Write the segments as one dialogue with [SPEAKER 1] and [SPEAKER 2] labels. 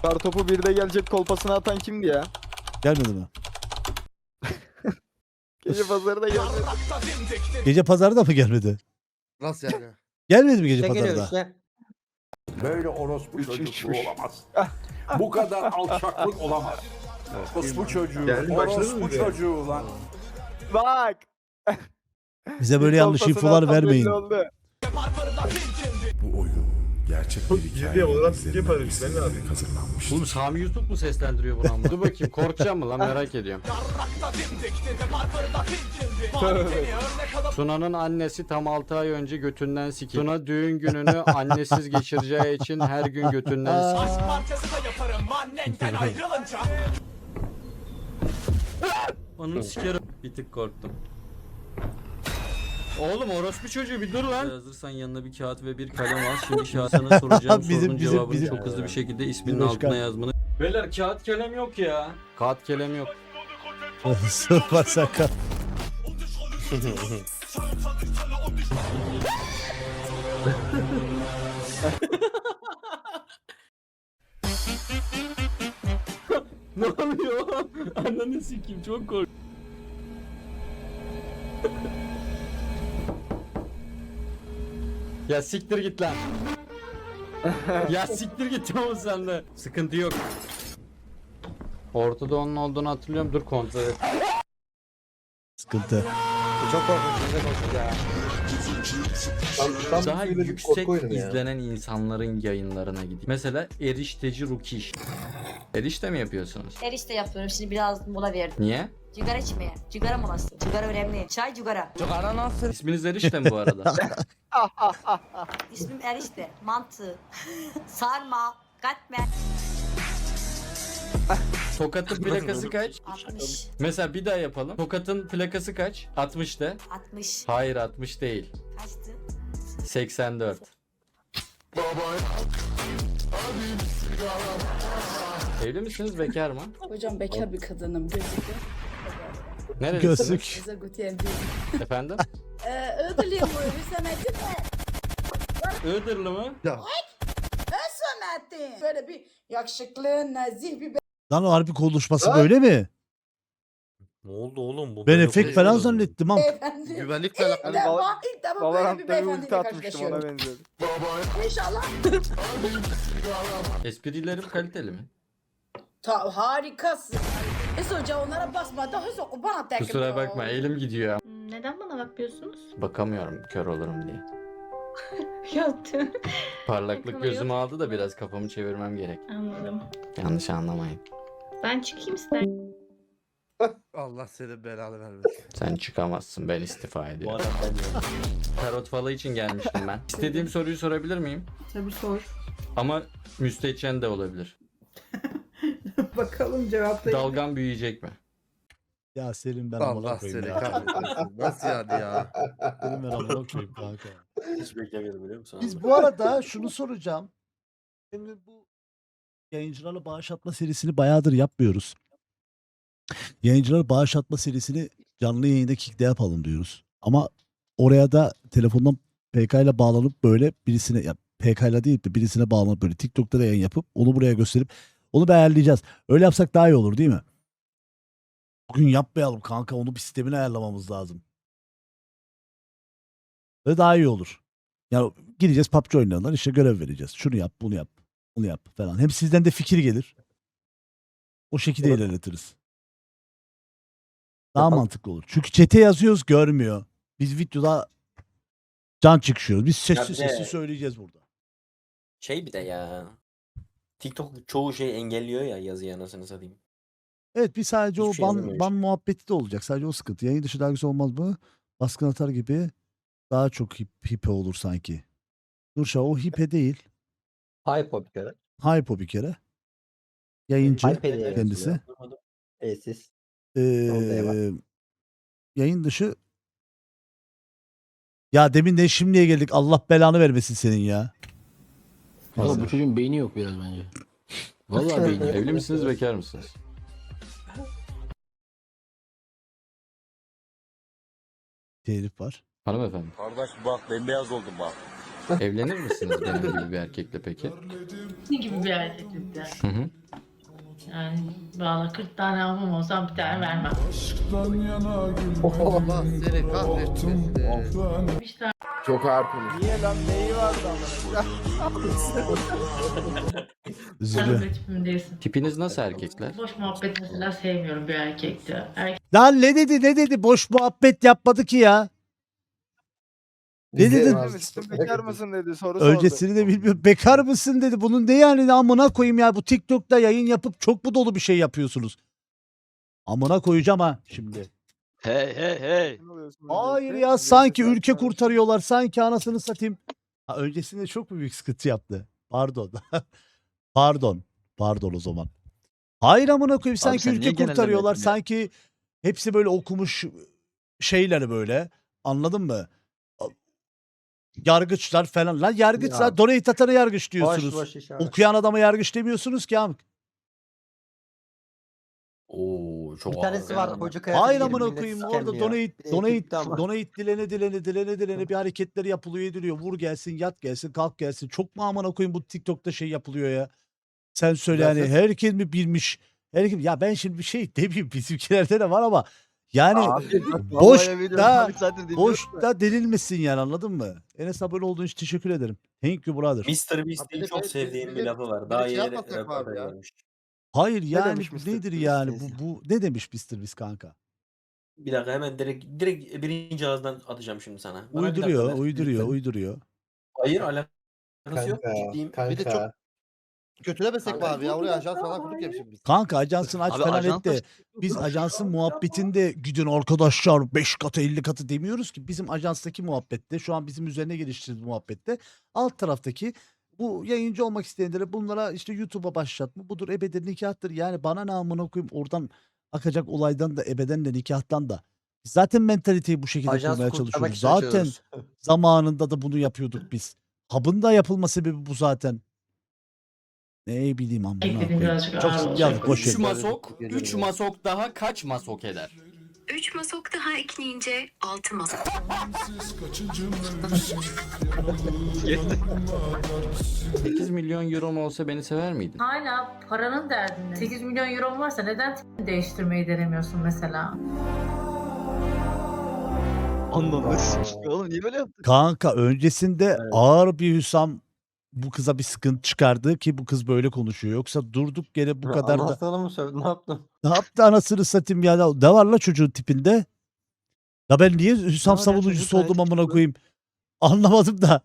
[SPEAKER 1] Kartopu bir de gelecek kolpasına atan kimdi ya?
[SPEAKER 2] Gelmedi mi?
[SPEAKER 1] Gece pazarı da gelmedi.
[SPEAKER 2] Gece pazarı da mı gelmedi?
[SPEAKER 3] Nasıl yani?
[SPEAKER 2] Gelmedi mi gece
[SPEAKER 4] İşte geliyor
[SPEAKER 2] pazarda?
[SPEAKER 4] işte.
[SPEAKER 5] Böyle orospu
[SPEAKER 1] Üç,
[SPEAKER 5] çocukluğu
[SPEAKER 1] üç.
[SPEAKER 5] olamaz. Bu kadar alçaklık olamaz. Orospu çocuğu,
[SPEAKER 3] Geldi, başladı mı
[SPEAKER 5] orospu
[SPEAKER 3] bize?
[SPEAKER 5] çocuğu lan.
[SPEAKER 1] Bak.
[SPEAKER 2] Bize böyle yanlış
[SPEAKER 1] Kolpasına
[SPEAKER 2] infolar
[SPEAKER 1] atan belli
[SPEAKER 2] vermeyin.
[SPEAKER 1] oldu.
[SPEAKER 6] Bu oyun gerçek bir hikaye
[SPEAKER 3] Ciddi olarak ciddi
[SPEAKER 6] izlenmek
[SPEAKER 3] paylaşım, ben ne yapayım?
[SPEAKER 6] istenilerek hazırlanmıştır.
[SPEAKER 7] Oğlum Sami Yusuf mu seslendiriyor bunu ama? Dur bakayım korkacağım mı lan merak ediyorum. Tuna'nın annesi tam 6 ay önce götünden sikildi. Tuna düğün gününü annesiz geçireceği için her gün götünden sikildi. Onun sikerim. Bir tık korktum. Oğlum orospu çocuğu bir dur lan. Hazırsan yanına bir kağıt ve bir kalem al. Şimdi şahsına soracağım sorunun cevabını çok hızlı bir şekilde isminin altına yazmanı. Beyler kağıt kalem yok ya. Kağıt kalem yok.
[SPEAKER 2] Sıfır sakat.
[SPEAKER 7] Ne oluyor? Ananı sikeyim çok kork. Ya siktir git lan. Ya siktir git oğlum sen de. Sıkıntı yok. Ortada onun olduğunu hatırlıyorum. Dur kontrol et.
[SPEAKER 2] Sıkıntı.
[SPEAKER 4] Çok korkunç. Güzel korkunç ya.
[SPEAKER 3] Tam
[SPEAKER 7] Daha
[SPEAKER 3] böyle bir
[SPEAKER 7] yüksek
[SPEAKER 3] korku oyunu ya.
[SPEAKER 7] izlenen insanların yayınlarına gideyim. Mesela erişteci Rukiş. Erişte mi yapıyorsunuz?
[SPEAKER 8] Erişte yapıyorum. Şimdi biraz mola verdim.
[SPEAKER 7] Niye?
[SPEAKER 8] Cigara içmeye. Cigara molası. Cigara önemli. Çay cigara.
[SPEAKER 7] İsminiz Erişte mi bu arada?
[SPEAKER 8] İsmim Erişte. Mantı. Sarma. Katmer.
[SPEAKER 7] Tokat'ın plakası kaç?
[SPEAKER 8] 60.
[SPEAKER 7] Mesela bir daha yapalım. Tokat'ın plakası kaç? 60 de.
[SPEAKER 8] 60.
[SPEAKER 7] Hayır 60 değil.
[SPEAKER 8] Kaçtı?
[SPEAKER 7] 84. Evli misiniz bekar mı?
[SPEAKER 9] Hocam bekar bir kadınım gözüküyor.
[SPEAKER 7] Nerelisiniz?
[SPEAKER 2] Gözlük.
[SPEAKER 9] Size Gutiyen
[SPEAKER 7] Efendim?
[SPEAKER 9] Ödülüyüm bu Hüsamettin de.
[SPEAKER 7] Iğdırlı mı?
[SPEAKER 9] Hüsamettin. Böyle bir yakışıklı, nazih bir
[SPEAKER 2] Lan o harbi konuşması böyle mi?
[SPEAKER 3] Ne oldu oğlum? Bu
[SPEAKER 2] Ben efekt falan zannettim ama.
[SPEAKER 9] beyefendi.
[SPEAKER 3] Güvenlikle alakalı.
[SPEAKER 9] İlk defa böyle bir
[SPEAKER 1] Valorant'ta bir
[SPEAKER 9] beyefendiyle
[SPEAKER 1] ulti atmıştım ona
[SPEAKER 9] karşılaşıyorum.
[SPEAKER 1] benziyordu.
[SPEAKER 9] İnşallah.
[SPEAKER 7] Esprilerim kaliteli mi?
[SPEAKER 9] Harikasın. Hoca onlara basmadı. Bana tekrar.
[SPEAKER 7] Kusura bakma elim gidiyor.
[SPEAKER 10] Neden bana bakmıyorsunuz?
[SPEAKER 7] Bakamıyorum kör olurum diye.
[SPEAKER 10] Yaptım.
[SPEAKER 7] Parlaklık
[SPEAKER 10] Bakamıyor.
[SPEAKER 7] gözümü aldı da biraz kafamı çevirmem gerek.
[SPEAKER 10] Anladım.
[SPEAKER 7] Yanlış anlamayın.
[SPEAKER 10] Ben çıkayım ister.
[SPEAKER 3] Allah senin belanı vermesin.
[SPEAKER 7] Sen çıkamazsın ben istifa ediyorum. Tarot falı için gelmiştim ben. İstediğim soruyu sorabilir miyim?
[SPEAKER 9] Tabii sor.
[SPEAKER 7] Ama müstehcen de olabilir.
[SPEAKER 9] Bakalım cevaplayın.
[SPEAKER 7] Dalgam büyüyecek mi?
[SPEAKER 2] Ya Selim ben
[SPEAKER 3] Allah
[SPEAKER 2] amına koyayım
[SPEAKER 3] seni
[SPEAKER 2] ya.
[SPEAKER 3] kahretsin. Nasıl yani ya?
[SPEAKER 2] Selim ben amına koyayım kanka.
[SPEAKER 4] Hiç beklemiyordum biliyor musun?
[SPEAKER 2] Biz bu arada şunu soracağım. Şimdi bu yayıncılarla bağış atma serisini bayağıdır yapmıyoruz. Yayıncılara bağış atma serisini canlı yayında Kick'te yapalım diyoruz. Ama oraya da telefondan PK ile bağlanıp böyle birisine ya PK ile değil de birisine bağlanıp böyle TikTok'ta da yayın yapıp onu buraya gösterip onu bir ayarlayacağız. Öyle yapsak daha iyi olur değil mi? Bugün yapmayalım kanka, onu bir sistemini ayarlamamız lazım. Ve daha iyi olur. Yani gideceğiz PUBG oynayanlar işte görev vereceğiz. Şunu yap, bunu yap, bunu yap falan. Hem sizden de fikir gelir. O şekilde ilerletiriz. Daha mantıklı olur. Çünkü chat'e yazıyoruz görmüyor. Biz videoda can çıkışıyoruz. Biz sessiz
[SPEAKER 4] Ya bir de-
[SPEAKER 2] sessiz söyleyeceğiz burada.
[SPEAKER 4] Şey bir de ya. TikTok çoğu şeyi engelliyor ya yazıyı anasını satayım.
[SPEAKER 2] Evet, bir sadece
[SPEAKER 4] Hiçbir
[SPEAKER 2] o
[SPEAKER 4] şey yazamıyor
[SPEAKER 2] ban muhabbeti de olacak. Sadece o sıkıntı. Yayın dışı dergisi olmaz mı? Baskın atar gibi daha çok hipe olur sanki. Nurşah o hipe değil.
[SPEAKER 4] Hype o bir kere.
[SPEAKER 2] Hype o bir kere. Yayıncı
[SPEAKER 4] Hype diye
[SPEAKER 2] kendisi.
[SPEAKER 4] yazılıyor. Siz.
[SPEAKER 2] Ee, yayın dışı ya demin de şimdiye geldik. Allah belanı vermesin senin ya.
[SPEAKER 11] Valla bu çocuğun beyni yok biraz bence. Vallahi beyni yok.
[SPEAKER 7] Evli misiniz bekar mısınız?
[SPEAKER 2] Telif var.
[SPEAKER 7] Hanımefendi.
[SPEAKER 5] Kardeş bak bembeyaz oldum bak.
[SPEAKER 7] Evlenir misiniz benim gibi bir erkekle peki?
[SPEAKER 10] gibi bir erkeklik yani.
[SPEAKER 3] Hı hı.
[SPEAKER 10] Yani valla 40 tane almam olsam bir tane vermem.
[SPEAKER 3] Allah seni kahretmesin.
[SPEAKER 10] Bir tane
[SPEAKER 6] Çok ağır konuş.
[SPEAKER 1] Niye lan neyi vardı ama?
[SPEAKER 2] Üzülüyor.
[SPEAKER 10] de tipim değilsin.
[SPEAKER 7] Tipiniz nasıl erkekler?
[SPEAKER 10] Boş muhabbet mesela sevmiyorum bir erkekte.
[SPEAKER 2] Lan ne dedi? Boş muhabbet yapmadı ki ya. Ne dedi?
[SPEAKER 1] Demiştim bekar mısın dedi soru sordu.
[SPEAKER 2] Öncesini de bilmiyorum. Bekar mısın dedi. Bunun ne yani, amına koyayım ya. Bu TikTok'ta yayın yapıp çok mu dolu bir şey yapıyorsunuz? Amına koyacağım ha şimdi.
[SPEAKER 1] Ne oluyorsun
[SPEAKER 2] Hayır
[SPEAKER 1] öncelikle?
[SPEAKER 2] ya, sanki
[SPEAKER 1] Bekar
[SPEAKER 2] ülke
[SPEAKER 1] mısın?
[SPEAKER 2] kurtarıyorlar. Sanki anasını satayım. Ha, öncesinde çok mu büyük sıkıntı yaptı? Pardon. Pardon o zaman. Hayır amına koyayım, sanki ülke kurtarıyorlar. Sanki hepsi böyle okumuş şeyler böyle. Anladın mı? Yargıçlar falan. Lan yargıçlar, donate atana yargıç diyorsunuz. Okuyan adama yargıç demiyorsunuz ki amk.
[SPEAKER 4] Oo çok
[SPEAKER 1] Bir tanesi
[SPEAKER 4] ağır
[SPEAKER 1] var
[SPEAKER 4] ya.
[SPEAKER 1] koca
[SPEAKER 2] Hayır amına koyayım, orada donate dilene bir hareketler yapılıyor, ediliyor. Vur gelsin, yat gelsin, kalk gelsin. Çok mu amına koyayım bu TikTok'ta şey yapılıyor ya? Sen söyle yani, herkes mi bilmiş? Herkes, ya ben şimdi bir şey demeyeyim, bizimkilerde de var ama yani boşta denilmesin yani, anladın mı? Enes abone olduğun için teşekkür ederim. Thank you brother.
[SPEAKER 4] Mr. Beast'in çok sevdiğim bir lafı var. Daha yeni röportaj vermiş.
[SPEAKER 2] Hayır yani
[SPEAKER 1] demiş Mr.
[SPEAKER 2] nedir
[SPEAKER 1] Beast
[SPEAKER 2] yani
[SPEAKER 1] neyse.
[SPEAKER 2] bu ne demiş Mr. Beast kanka?
[SPEAKER 4] Bir dakika hemen direkt birinci ağızdan atacağım şimdi sana. Bana bir dakika ver.
[SPEAKER 2] Uyduruyor.
[SPEAKER 4] Hayır alakası yok. Ciddiyim.
[SPEAKER 3] Bir de çok kötülemesek mi abi ya? Oraya ajans falan kurduk ya biz.
[SPEAKER 2] Kanka ajansın aç falan et de biz ajansın muhabbetinde gidin arkadaşlar 5 katı 50 katı demiyoruz ki. Bizim ajanstaki muhabbette, şu an bizim üzerine geliştirdiğimiz muhabbette alt taraftaki bu yayıncı olmak isteyenlere, bunlara işte YouTube'a başlatma budur, ebeden nikahtır. Yani bana ne amına koyayım oradan akacak olaydan da, ebeden de nikahtan da. Biz zaten mentaliteyi bu şekilde kurmaya çalışıyoruz. Zaten zamanında da bunu yapıyorduk biz. Hub'ın da yapılma sebebi bu zaten. Ne bileyim amına
[SPEAKER 10] Ekledim
[SPEAKER 2] koyayım.
[SPEAKER 10] birazcık ağır
[SPEAKER 2] Çok
[SPEAKER 10] olacak.
[SPEAKER 2] yazık, boş
[SPEAKER 7] 3
[SPEAKER 2] ver.
[SPEAKER 7] masok, 3 masok daha kaç masok eder?
[SPEAKER 8] 3 masok daha ekleyince 6 masok.
[SPEAKER 7] 8 milyon euro olsa beni sever miydin?
[SPEAKER 10] Hala paranın derdinde. 8 milyon euro varsa neden değiştirmeyi denemiyorsun mesela?
[SPEAKER 1] Oğlum niye böyle yaptın?
[SPEAKER 2] Kanka öncesinde ağır bir Hüsam bu kıza bir sıkıntı çıkardı ki bu kız böyle konuşuyor. Yoksa durduk yere bu kadar da...
[SPEAKER 1] Anasını mı sövdün, ne yaptın?
[SPEAKER 2] Ne yaptı anasını satayım ya? Ne var la çocuğun tipinde? Ya ben niye Hüsam
[SPEAKER 1] var ya,
[SPEAKER 2] savunucusu
[SPEAKER 1] çocuk
[SPEAKER 2] oldum
[SPEAKER 1] gayet
[SPEAKER 2] amına
[SPEAKER 1] güzel.
[SPEAKER 2] koyayım? Anlamadım da.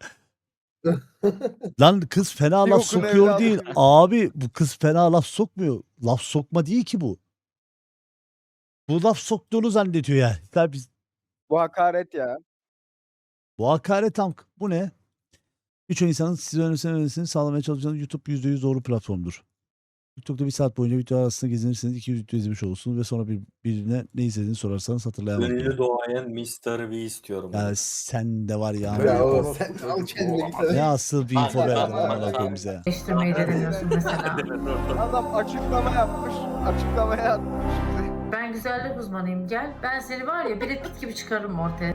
[SPEAKER 2] Lan kız fena
[SPEAKER 1] Bir
[SPEAKER 2] laf
[SPEAKER 1] okun
[SPEAKER 2] sokuyor
[SPEAKER 1] evladı.
[SPEAKER 2] değil. Abi bu kız fena laf sokmuyor. Laf sokma değil ki bu. Bu laf soktuğunu zannediyor yani. Tabii
[SPEAKER 1] Bu hakaret ya.
[SPEAKER 2] bu hakaret amk. Bu ne? Birçok insanın size önerisini sağlamaya çalışacağınız YouTube %100 doğru platformdur. TikTok'ta 1 saat boyunca video arasında gezinirseniz 200 video izlemiş olursunuz ve sonra birine ne izlediğini sorarsanız hatırlayamaz.
[SPEAKER 4] Ünlü doğayan Mr. Beast diyorum.
[SPEAKER 2] Ya sen de var ya.
[SPEAKER 3] Ya oğlum sen al kendine git.
[SPEAKER 2] Ne asıl bir info verdin amına koyayım bize ya.
[SPEAKER 10] Değiştirmeyi denemiyorsun mesela.
[SPEAKER 1] Adam açıklama yapmış. Açıklamaya atmış.
[SPEAKER 10] Ben güzellik uzmanıyım, gel. Ben seni var ya Brad Pitt gibi çıkarırım ortaya.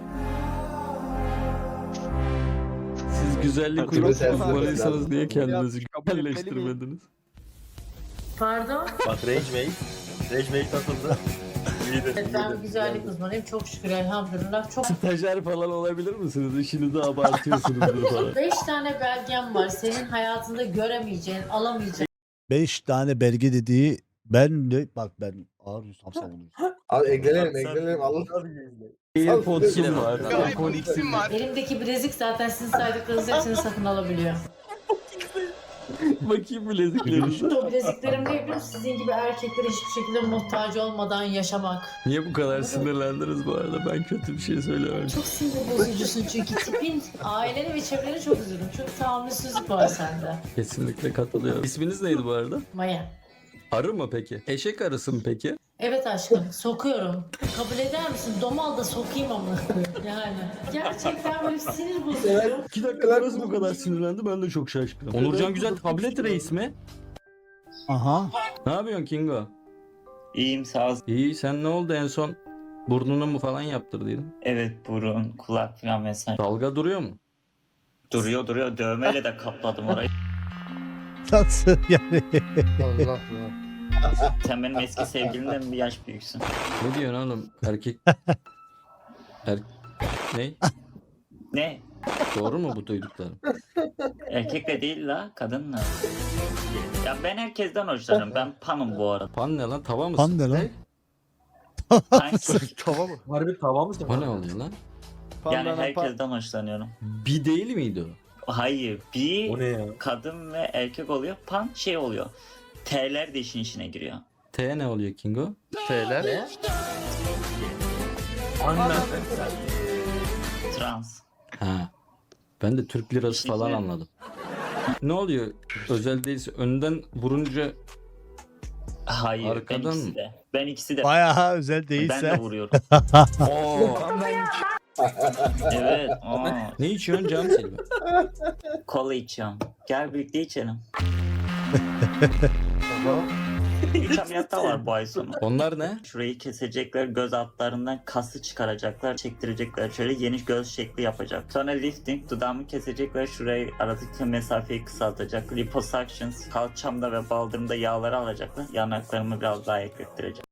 [SPEAKER 7] Siz güzellik uzmanıysanız niye kendinizi
[SPEAKER 1] Kabul etmeli miyim?
[SPEAKER 7] güzelleştirmediniz?
[SPEAKER 10] Pardon?
[SPEAKER 4] Bak Rage Mate atıldı.
[SPEAKER 10] Evet, ben güzellik uzmanıyım. Çok şükür elhamdülillah. Çok
[SPEAKER 7] Stajyer falan olabilir misiniz? İşinizi abartıyorsunuzdur falan.
[SPEAKER 10] 5 tane belgem var. Senin hayatında göremeyeceğin, alamayacağın.
[SPEAKER 2] 5 tane belge dediği, ben de bak ben ağır Hüsam savunucuyum.
[SPEAKER 3] Abi eklenelim Allah.
[SPEAKER 7] AirPods'um var. AirPods'um var.
[SPEAKER 10] Elimdeki bilezik zaten sizin saydıklarınızın hepsini satın alabiliyor.
[SPEAKER 7] Bakayım bileziklerinize.
[SPEAKER 10] O bileziklerim ne biliyor musun? Sizin gibi erkeklere hiçbir şekilde muhtaç olmadan yaşamak.
[SPEAKER 7] Niye bu kadar sinirlendiniz bu arada? Ben kötü bir şey söylemedim.
[SPEAKER 10] Çok sinir bozucusun çünkü tipin, aileni ve çevreni çok üzüldüm. Çok tahammülsüzlük var sende.
[SPEAKER 7] Kesinlikle katılıyorum. İsminiz neydi bu arada?
[SPEAKER 10] Maya.
[SPEAKER 7] Arı mı peki? Eşek arısı mı peki?
[SPEAKER 10] Evet aşkım, sokuyorum. Kabul eder misin? Domal da sokayım ama. Yani. Gerçekten böyle sinir bozucu.
[SPEAKER 7] 2 dakika nasıl bu kadar sinirlendi ben de çok şaşkınım. Onurcan Güzel tablet reis mi?
[SPEAKER 2] Aha.
[SPEAKER 7] Ne yapıyorsun Kingo?
[SPEAKER 12] İyiyim sağ ol.
[SPEAKER 7] İyi, sen ne oldu en son? Burnunu mu falan yaptırdıydın?
[SPEAKER 12] Evet burun, kulak falan vesaire.
[SPEAKER 7] Dalga duruyor mu?
[SPEAKER 12] Duruyor dövmeyle de kapladım orayı.
[SPEAKER 2] Nasıl yani?
[SPEAKER 3] Allah Allah.
[SPEAKER 12] Sen benim eski sevgilimden bir yaş büyüksün.
[SPEAKER 7] Ne diyorsun oğlum? Erkek... Ne?
[SPEAKER 12] Ne?
[SPEAKER 7] Doğru mu bu duyduklarım?
[SPEAKER 12] Erkekle değil la, kadınla. Ya ben herkesten hoşlanırım. Ben panım bu arada.
[SPEAKER 7] Pan ne lan? Tava mısın?
[SPEAKER 2] Pan ne lan?
[SPEAKER 12] Sanki
[SPEAKER 3] Tava mı?
[SPEAKER 5] Harbi tava mısın?
[SPEAKER 7] O ne oluyor lan?
[SPEAKER 12] yani
[SPEAKER 1] Pandana
[SPEAKER 12] herkesten hoşlanıyorum.
[SPEAKER 7] Bir değil miydi o?
[SPEAKER 12] Hayır, bir
[SPEAKER 5] O ne ya?
[SPEAKER 12] kadın ve erkek oluyor. Pan şey oluyor. T'ler de işin içine giriyor.
[SPEAKER 7] T ne oluyor Kingo?
[SPEAKER 3] T'ler.
[SPEAKER 12] Trans.
[SPEAKER 7] Ha. Ben de Türk lirası falan anladım. Ne oluyor? Özel değilse önden vurunca
[SPEAKER 12] Hayır,
[SPEAKER 7] Arkadan
[SPEAKER 12] ben ikisi
[SPEAKER 7] mı?
[SPEAKER 12] de. Ben ikisi de.
[SPEAKER 2] Bayağı özel
[SPEAKER 12] Ben de
[SPEAKER 2] değilse.
[SPEAKER 12] vuruyorum.
[SPEAKER 7] Oo.
[SPEAKER 12] Evet.
[SPEAKER 7] Ne içiyorsun Cam Silva?
[SPEAKER 12] Kola içiyorum. Gel birlikte içelim. 3 ameliyat daha var bu ay sonu.
[SPEAKER 7] Onlar ne?
[SPEAKER 12] Şurayı kesecekler, göz altlarından kası çıkaracaklar, çektirecekler. Şöyle yeni göz şekli yapacak. Sonra lifting, dudağımı kesecekler, şurayı aradaki mesafeyi kısaltacak. Liposuctions, kalçamda ve baldırımda yağları alacaklar. Yanaklarımı biraz daha eklettirecek.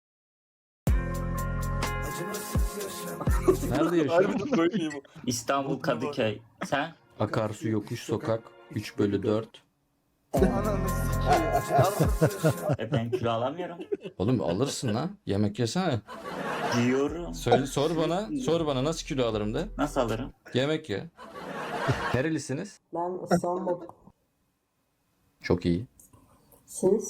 [SPEAKER 7] Nerede yaşıyorsun?
[SPEAKER 12] İstanbul Kadıköy. Sen?
[SPEAKER 7] Akarsu Yokuş Sokak 3/4.
[SPEAKER 1] Ananı sikeyim.
[SPEAKER 12] Ben kilo alamıyorum.
[SPEAKER 7] Oğlum alırsın lan. Yemek yesene.
[SPEAKER 12] Diyorum.
[SPEAKER 7] Söyle sor bana nasıl kilo alırım de.
[SPEAKER 12] Nasıl alırım?
[SPEAKER 7] Yemek ye. Nerelisiniz?
[SPEAKER 10] Ben İstanbul.
[SPEAKER 7] Çok iyi.
[SPEAKER 10] Siz?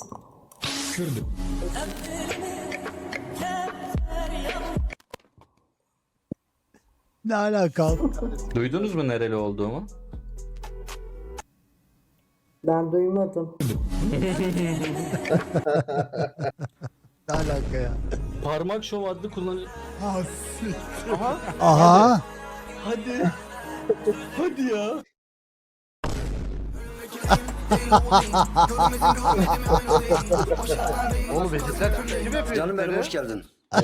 [SPEAKER 2] Ne alaka?
[SPEAKER 7] Duydunuz mu nereli olduğumu?
[SPEAKER 10] Ben duymadım.
[SPEAKER 2] Ne alaka ya?
[SPEAKER 7] Parmak şov adlı kullanıyor.
[SPEAKER 2] Aha.
[SPEAKER 7] Hadi. Hadi ya.
[SPEAKER 3] Oğlum vejetler Türkçesi mi yapıyor?
[SPEAKER 1] Canım benim hoş geldin.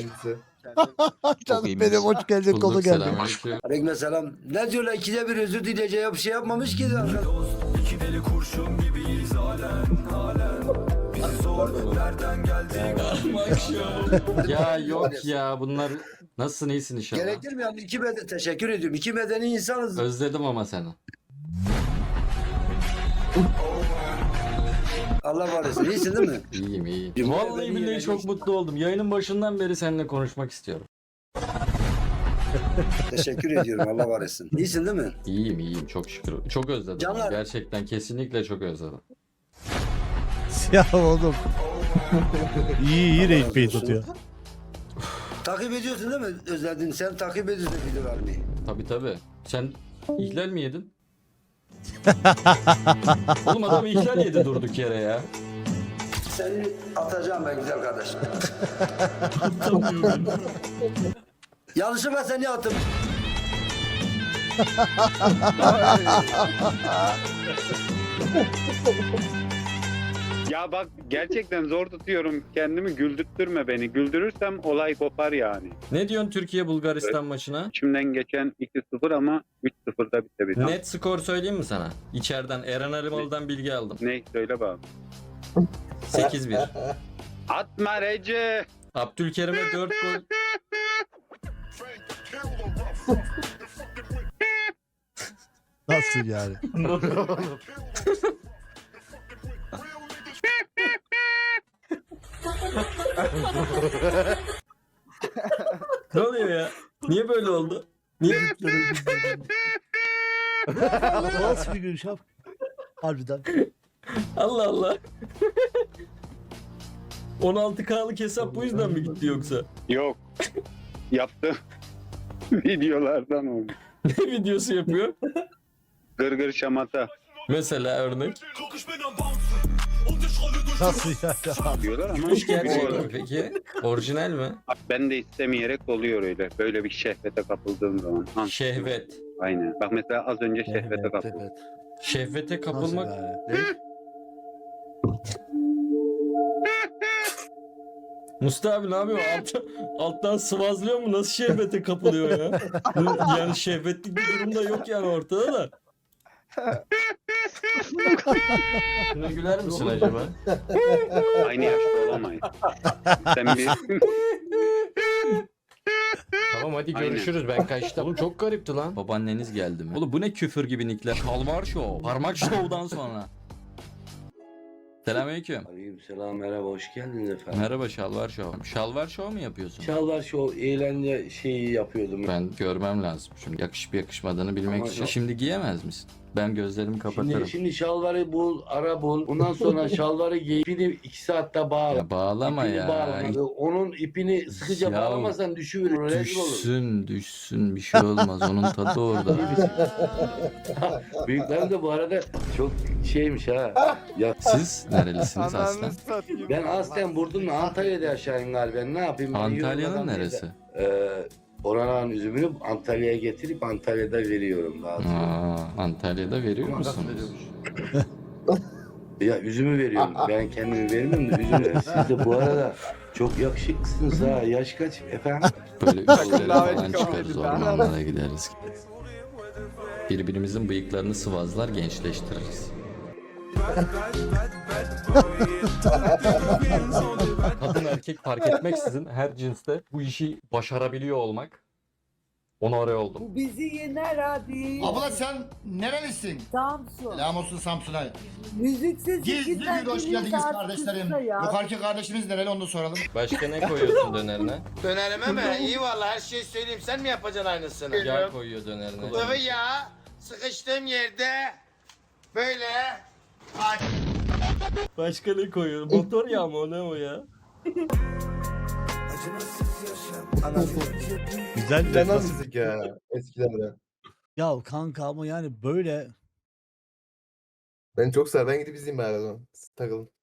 [SPEAKER 2] Canım benim hoş geldin konu
[SPEAKER 7] Bulduk,
[SPEAKER 2] geldi.
[SPEAKER 7] selamünaleyküm.
[SPEAKER 1] Aleykümselam. Ne diyorlar ikide bir özür dileyeceği bir şey yapmamış ki zaten.
[SPEAKER 7] Ya yok ya bunlar nasılsın iyisin inşallah.
[SPEAKER 1] Gerekir mi yani? Teşekkür ediyorum. İki medeni insanız.
[SPEAKER 7] Özledim ama seni.
[SPEAKER 1] Allah var etsin. İyisin değil mi?
[SPEAKER 7] İyiyim iyiyim.
[SPEAKER 1] Cumhur
[SPEAKER 7] Vallahi
[SPEAKER 1] beni
[SPEAKER 7] billahi
[SPEAKER 1] yine
[SPEAKER 7] çok
[SPEAKER 1] geçti.
[SPEAKER 7] mutlu oldum. Yayının başından beri seninle konuşmak istiyorum.
[SPEAKER 1] Teşekkür ediyorum. Allah var etsin. İyisin değil mi?
[SPEAKER 7] İyiyim iyiyim çok şükür. Çok özledim.
[SPEAKER 1] Canlar.
[SPEAKER 7] Gerçekten kesinlikle çok özledim.
[SPEAKER 2] Ya oğlum. iyi rage bait atıyor.
[SPEAKER 1] Takip ediyorsun değil mi? Özledin. Sen takip ediyorsun videolar mı?
[SPEAKER 7] Tabii. Sen ihlal mi yedin? Oğlum adam ihlal yedi durduk yere ya.
[SPEAKER 1] Seni atacağım ben güzel kardeşim. Yanlışlıkla seni attım.
[SPEAKER 13] Ya bak gerçekten zor tutuyorum kendimi, güldürtme beni. Güldürürsem olay kopar yani.
[SPEAKER 7] Ne diyorsun Türkiye Bulgaristan maçına?
[SPEAKER 13] İçimden geçen 2-0 ama 3-0'da bitebilir.
[SPEAKER 7] Net skor söyleyeyim mi sana? İçeriden Eren Alimalı'dan bilgi aldım.
[SPEAKER 13] Ne? Söyle bakalım.
[SPEAKER 7] 8-1.
[SPEAKER 13] Atma Recep.
[SPEAKER 7] Abdülkerim'e 4 gol.
[SPEAKER 2] Nasıl yani?
[SPEAKER 7] Ne oluyor ya? Niye böyle oldu? Niye?
[SPEAKER 2] Nasıl bir gülüş yap? Harbiden.
[SPEAKER 7] Allah Allah. 16K'lık hesap bu yüzden mi gitti yoksa?
[SPEAKER 13] Yok. Yaptım. Videolardan oldu.
[SPEAKER 7] Ne videosu yapıyor?
[SPEAKER 13] Gırgır şamata.
[SPEAKER 7] Mesela örnek.
[SPEAKER 2] Nasıl yani?
[SPEAKER 13] Diyorlar ama.
[SPEAKER 7] Gülüş gerçek mi
[SPEAKER 13] Doğru.
[SPEAKER 7] peki? Orijinal mi?
[SPEAKER 13] Ben de istemeyerek oluyor öyle. Böyle bir şehvete kapıldığım zaman. Ha,
[SPEAKER 7] Şehvet.
[SPEAKER 13] aynen. Bak mesela az önce şehvete kapıldım.
[SPEAKER 2] Evet.
[SPEAKER 7] Şehvete
[SPEAKER 2] Nasıl
[SPEAKER 7] kapılmak.
[SPEAKER 2] yani?
[SPEAKER 7] Mustafa abi ne yapıyor? Alttan sıvazlıyor mu? Nasıl şehvete kapılıyor ya? Yani şehvetlik bir durum da yok yani ortada da. Şuna güler misin acaba?
[SPEAKER 13] Aynı yaşta olamayız. Sen bir...
[SPEAKER 7] Tamam hadi
[SPEAKER 13] Aynen.
[SPEAKER 7] görüşürüz ben kaçtım. Oğlum çok garipti lan. Babaanneniz geldi mi? Oğlum bu ne küfür gibi nickler. Şalvar Show. Parmak Show'dan sonra. Selamünaleyküm.
[SPEAKER 1] Aleykümselam, merhaba, hoş geldiniz efendim.
[SPEAKER 7] Merhaba Şalvar Show. Şalvar Show mu yapıyorsun?
[SPEAKER 1] Şalvar şu eğlence şeyi yapıyordum.
[SPEAKER 7] Ben görmem lazım. Şimdi yakışıp yakışmadığını bilmek
[SPEAKER 1] Ama
[SPEAKER 7] için.
[SPEAKER 1] yok.
[SPEAKER 7] Şimdi giyemez misin? Ben gözlerimi kapatırım.
[SPEAKER 1] Şimdi şalvarı bul, ara bul. Ondan sonra şalvarı giy. İpini 2 saatte bağla.
[SPEAKER 7] Ya bağlama
[SPEAKER 1] İpini
[SPEAKER 7] ya.
[SPEAKER 1] bağlama. Onun ipini sıkıca
[SPEAKER 7] Ya
[SPEAKER 1] bağlamazsan düşüverir. Rezil olur.
[SPEAKER 7] Düşsün bir şey olmaz. Onun tadı orada.
[SPEAKER 1] Büyüklerim de bu arada çok şeymiş ha. Ya
[SPEAKER 7] Siz nerelisiniz aslen?
[SPEAKER 1] ben aslen Burdun'la Antalya'da yaşayayım galiba. Ne yapayım? Ben
[SPEAKER 7] Antalya'nın
[SPEAKER 1] yorulmadan
[SPEAKER 7] neresi?
[SPEAKER 1] oranın üzümünü Antalya'ya getirip Antalya'da veriyorum daha sonra.
[SPEAKER 7] Antalya'da veriyor
[SPEAKER 1] Ama nasıl
[SPEAKER 7] musunuz?
[SPEAKER 1] Ya üzümü veriyorum. Ben kendimi vermiyorum da üzümü. Siz de bu arada çok yakışıklısınız ha. Yaş kaç efendim?
[SPEAKER 7] Böyle üstlere falan çıkarız, ormanlara gideriz. Birbirimizin bıyıklarını sıvazlar, gençleştiririz. Kadın erkek fark etmeksizin her cinste bu işi başarabiliyor olmak. Onu araya oldum.
[SPEAKER 9] Bu bizi yener abi.
[SPEAKER 3] Abla sen nerelisin?
[SPEAKER 9] Samsun.
[SPEAKER 3] Selam olsun Samsun'a.
[SPEAKER 9] Müziksiz
[SPEAKER 3] Gizli bir hoş geldiniz kardeşlerim. Yukarıki kardeşimiz nereli onu da soralım.
[SPEAKER 7] Başka ne koyuyorsun dönerine?
[SPEAKER 3] Dönerime mi? İyi valla her şeyi söyleyeyim. Sen mi yapacaksın aynısını?
[SPEAKER 7] Yağ koyuyor dönerine.
[SPEAKER 3] Sıvı yağ sıkıştığım yerde böyle
[SPEAKER 7] Başka ne koyuyor? Motor yağı mı o ne o ya?
[SPEAKER 2] Güzel bir
[SPEAKER 3] fena müzik ya eskilerde.
[SPEAKER 2] Ya kanka ama yani böyle
[SPEAKER 3] Ben çok sever. Ben gidip izleyeyim bari o zaman. Takılın.